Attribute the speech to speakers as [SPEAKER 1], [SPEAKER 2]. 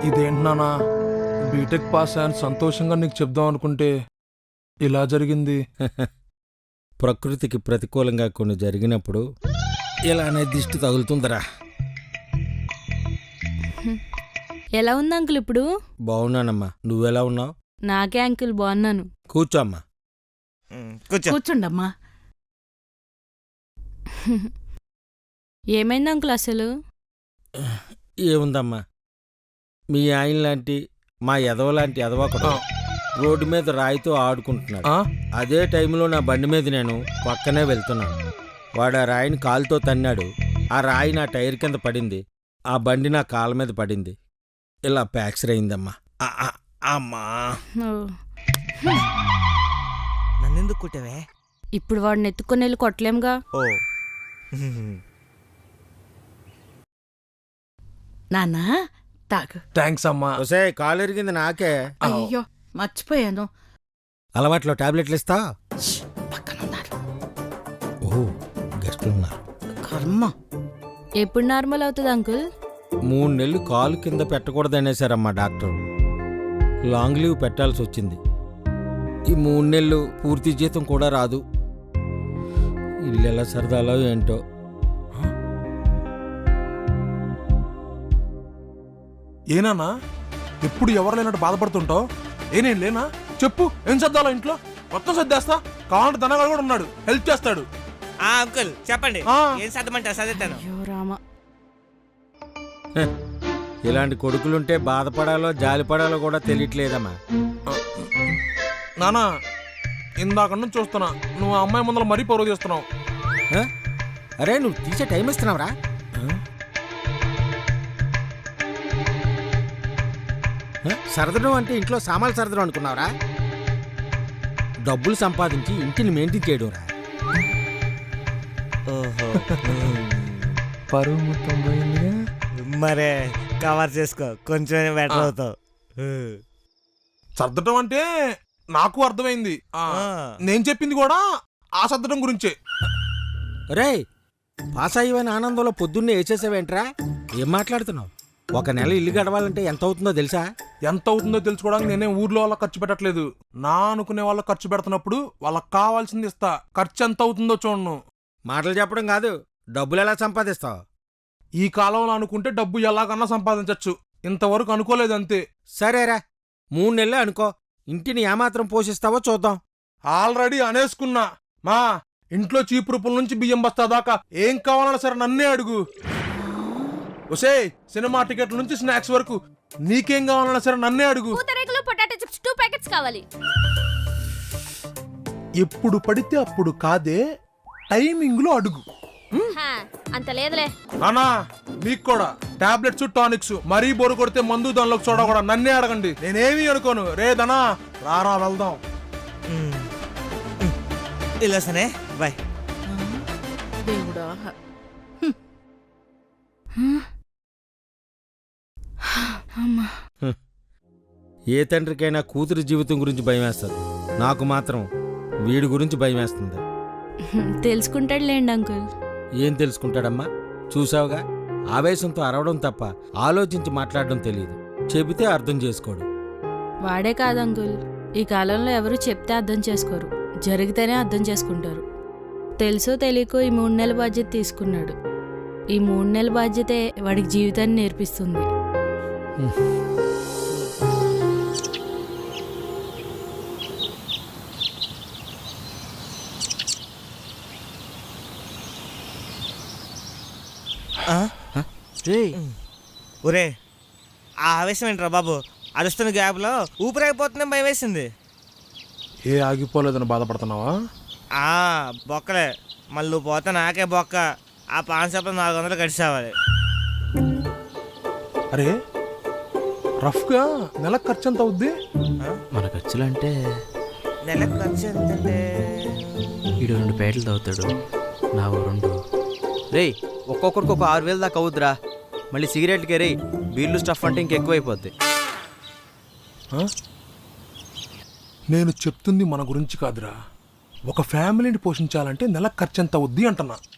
[SPEAKER 1] ఇదేంటన్నా BTech pass అని సంతోషంగా నీకు చెప్దాం అనుకుంటే ఇలా జరిగింది.
[SPEAKER 2] ప్రకృతికి ప్రతికూలంగా కొన్ని జరిగినప్పుడు ఇలానే దిష్టి తగులుతుందరా.
[SPEAKER 3] ఎలా ఉంది అంకుల్ ఇప్పుడు?
[SPEAKER 2] బాగున్నానమ్మా, నువ్వెలా ఉన్నావు?
[SPEAKER 3] నాకే అంకుల్ బాగున్నాను.
[SPEAKER 2] కూర్చో అమ్మా.
[SPEAKER 4] కూర్చోండమ్మా.
[SPEAKER 3] ఏమైంది అంకుల్ అసలు?
[SPEAKER 2] ఏముందమ్మా, మీ ఆయన లాంటి మా ఎదవలాంటి ఎదవకడు రోడ్డు మీద రాయితో ఆడుకుంటున్నాడు. అదే టైంలో నా బండి మీద నేను పక్కనే వెళ్తున్నాను. వాడు ఆ రాయిని కాలుతో తన్నాడు. ఆ రాయి నా టైర్ కింద పడింది. ఆ బండి నా కాళ్ళ మీద పడింది. ఇలా ప్యాక్చర్ అయిందమ్మా. అమ్మా,
[SPEAKER 5] నన్నెందుకు కుట్టావే?
[SPEAKER 3] ఇప్పుడు వాడిని ఎత్తుకొని వెళ్ళి కొట్టలేముగా.
[SPEAKER 5] ఓ
[SPEAKER 4] నాన్నా తాగు.
[SPEAKER 1] థ్యాంక్స్ అమ్మా.
[SPEAKER 2] ఒసే కాలు ఎరిగింది నాకే.
[SPEAKER 4] అయ్యో మర్చిపోయాను.
[SPEAKER 2] అలవాట్లో టాబ్లెట్లు ఇస్తా.
[SPEAKER 4] పక్కనున్నారు.
[SPEAKER 2] ఓహో, గెస్టులు ఉన్నారు.
[SPEAKER 4] కర్మ.
[SPEAKER 3] ఎప్పుడు నార్మల్ అవుతుంది అంకుల్?
[SPEAKER 2] 3 నెలలు కాలు కింద పెట్టకూడదనేసారమ్మా డాక్టర్. లాంగ్ లీవ్ పెట్టాల్సి వచ్చింది. ఈ 3 నెలలు పూర్తి జీతం కూడా రాదు. ఇల్లు ఎలా సరదాలో ఏంటో.
[SPEAKER 1] ఏనానా ఎప్పుడు ఎవరు లేనట్టు బాధపడుతుంటావు? నేను లేనా? చెప్పు, ఏం సర్దాలో ఇంట్లో? మొత్తం సర్దేస్తా. కావాలంటే ధనగాడు కూడా ఉన్నాడు, హెల్ప్ చేస్తాడు.
[SPEAKER 5] అంకుల్ చెప్పండి, ఏం సర్దమంటారు? సర్దేస్తాను.
[SPEAKER 3] అయ్యో రామా,
[SPEAKER 2] ఇలాంటి కొడుకులుంటే బాధపడాలో జాలిపడాలో కూడా తెలియట్లేదమ్మా.
[SPEAKER 1] నానా, ఇందాక నుంచి చూస్తున్నా నువ్వు ఆ అమ్మాయి ముందర మరీ పరువు చేస్తున్నావు.
[SPEAKER 2] అరే, నువ్వు తీసే టైం ఇస్తున్నావురా? సరదడం అంటే ఇంట్లో సామాన్లు సరదడం అనుకున్నావురా? డబ్బులు సంపాదించి ఇంటిని మెయింటైన్ చేయడం రా.
[SPEAKER 5] ఓహో,
[SPEAKER 1] పరువు మొత్తం పోయిందిగా.
[SPEAKER 5] మరే కవర్ చేసుకో, కొంచెం బెటర్ అవుతావు.
[SPEAKER 1] సర్దటం అంటే నాకు అర్థమైంది. నేను చెప్పింది కూడా ఆ సర్దటం గురించే.
[SPEAKER 2] రే, పాస్ అయ్యవని ఆనందంలో పొద్దున్నే వేసేసావేంట్రా? ఏం మాట్లాడుతున్నావు? 1 నెల ఇల్లు గడవాలంటే ఎంత అవుతుందో తెలుసా?
[SPEAKER 1] ఎంత అవుతుందో తెలుసుకోవడానికి నేనే ఊర్లో వాళ్ళకి ఖర్చు పెట్టట్లేదు. నా అనుకునే వాళ్ళకి ఖర్చు పెడుతున్నప్పుడు వాళ్ళకి కావాల్సింది ఇస్తా. ఖర్చు ఎంత అవుతుందో చూడను.
[SPEAKER 2] మాటలు చెప్పడం కాదు, డబ్బులు ఎలా సంపాదిస్తావు?
[SPEAKER 1] ఈ కాలంలో అనుకుంటే డబ్బు ఎలాగన్నా సంపాదించచ్చు. ఇంతవరకు అనుకోలేదు అంతే.
[SPEAKER 2] సరేరా, 3 నెలలే అనుకో. ఇంటిని ఏమాత్రం పోషిస్తావో చూద్దాం.
[SPEAKER 1] ఆల్రెడీ అనేసుకున్నా. మా ఇంట్లో చీపురుపుల నుంచి బియ్యం బస్తా దాకా ఏం కావాలన్నా సరే నన్నే అడుగు. ఒసే, సినిమా టికెట్ల నుంచి స్నాక్స్ వరకు నీకేం కావాలన్నా సరే నన్నే అడుగు.
[SPEAKER 3] పూతరేకులు, పొటాటో చిప్స్ 2 ప్యాకెట్స్ కావాలి.
[SPEAKER 1] ఎప్పుడు పడితే అప్పుడు కాదే, టైమింగ్ లో అడుగు.
[SPEAKER 3] అంత లేదులే.
[SPEAKER 1] నానా, మీకు కూడా టాబ్లెట్స్, టానిక్స్, మరీ బోరు కొడితే మందు దానిలోకి చూడ కూడా నన్నే అడగండి. నేనేమీ అనుకోను. రే ధనా, రారా వెళ్దాం.
[SPEAKER 5] ఇలా సనే బాయ్.
[SPEAKER 4] దేవుడా.
[SPEAKER 2] ఏ తండ్రికైనా కూతురి జీవితం గురించి భయం వేస్తుంది. నాకు మాత్రం వీడి గురించి భయం వేస్తుంది.
[SPEAKER 3] తెలుసుకుంటాడులేండి అంకుల్.
[SPEAKER 2] ఏం తెలుసుకుంటాడమ్మా? చూసావుగా, ఆవేశంతో అరవడం తప్ప ఆలోచించి మాట్లాడడం తెలియదు. చెబితే అర్థం చేసుకోడు.
[SPEAKER 3] వాడే కాదు అంకుల్, ఈ కాలంలో ఎవరు చెప్తే అర్థం చేసుకోరు, జరిగితేనే అర్థం చేసుకుంటారు. తెలుసో తెలియకో ఈ 3 నెలల బాధ్యత తీసుకున్నాడు. ఈ 3 నెలల బాధ్యతే వాడికి జీవితాన్ని నేర్పిస్తుంది.
[SPEAKER 5] ఒరే, ఆ ఆవేశం ఏంట్రా బాబు? అరుస్తున్న గ్యాప్లో ఊపిరాగిపోతుందని భయం వేసింది.
[SPEAKER 1] ఏ ఆగిపోలేదని బాధపడుతున్నావా?
[SPEAKER 5] బొక్కలే, మళ్ళీ నువ్వు పోతే నాకే బొక్క. ఆ పాన్ షాప్లో 400 కట్టిసేవాలి.
[SPEAKER 1] అరే, రఫ్గా నెలకు ఖర్చు ఎంత అవుద్ది?
[SPEAKER 6] మన ఖర్చులంటే
[SPEAKER 5] నెలకు ఖర్చు ఎంతంటే?
[SPEAKER 6] ఈడు 2 పేటలు తాగుతాడు, నా 2. రేయ్, ఒక్కొక్కరికి ఒక 6,000 దాకా అవుద్దిరా. మళ్ళీ సిగరెట్లకే రే, బీర్లు స్టఫ్ అంటే ఇంకెక్కువైపోద్ది.
[SPEAKER 1] నేను చెప్తుంది మన గురించి కాదురా. ఒక ఫ్యామిలీని పోషించాలంటే నెలకు ఖర్చు ఎంత అవుద్ది అంటున్నా.